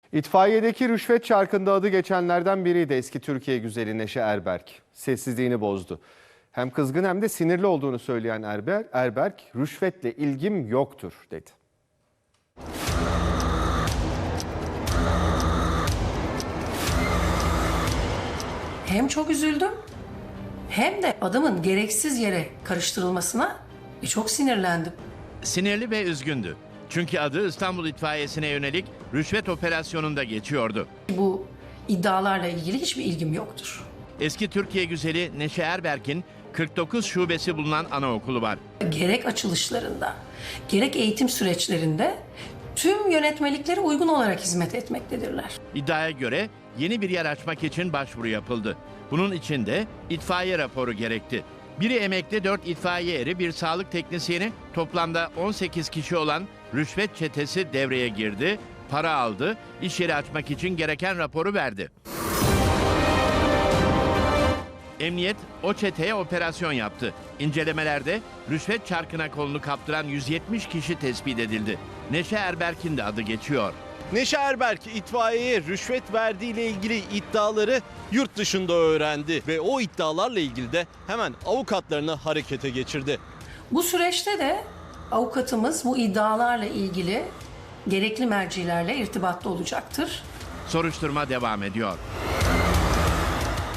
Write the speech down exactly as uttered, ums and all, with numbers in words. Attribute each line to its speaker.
Speaker 1: İtfaiyedeki rüşvet çarkında adı geçenlerden biriydi eski Türkiye güzeli Neşe Erberk. Sessizliğini bozdu. Hem kızgın hem de sinirli olduğunu söyleyen Erber, Erberk, rüşvetle ilgim yoktur dedi.
Speaker 2: Hem çok üzüldüm hem de adamın gereksiz yere karıştırılmasına çok sinirlendim.
Speaker 3: Sinirli ve üzgündü. Çünkü adı İstanbul İtfaiyesi'ne yönelik rüşvet operasyonunda geçiyordu.
Speaker 2: Bu iddialarla ilgili hiçbir ilgim yoktur.
Speaker 3: Eski Türkiye güzeli Neşe Erberk'in kırk dokuz şubesi bulunan anaokulu var.
Speaker 2: Gerek açılışlarında, gerek eğitim süreçlerinde tüm yönetmeliklere uygun olarak hizmet etmektedirler.
Speaker 3: İddiaya göre yeni bir yer açmak için başvuru yapıldı. Bunun için de itfaiye raporu gerekti. Biri emekli, dört itfaiye eri, bir sağlık teknisyeni, toplamda on sekiz kişi olan rüşvet çetesi devreye girdi, para aldı, iş yeri açmak için gereken raporu verdi. Emniyet o çeteye operasyon yaptı. İncelemelerde rüşvet çarkına kolunu kaptıran yüz yetmiş kişi tespit edildi. Neşe Erberk'in de adı geçiyor.
Speaker 4: Neşe Erberk itfaiyeye rüşvet verdiğiyle ilgili iddiaları yurt dışında öğrendi ve o iddialarla ilgili de hemen avukatlarını harekete geçirdi.
Speaker 2: Bu süreçte de avukatımız bu iddialarla ilgili gerekli mercilerle irtibatta olacaktır.
Speaker 3: Soruşturma devam ediyor.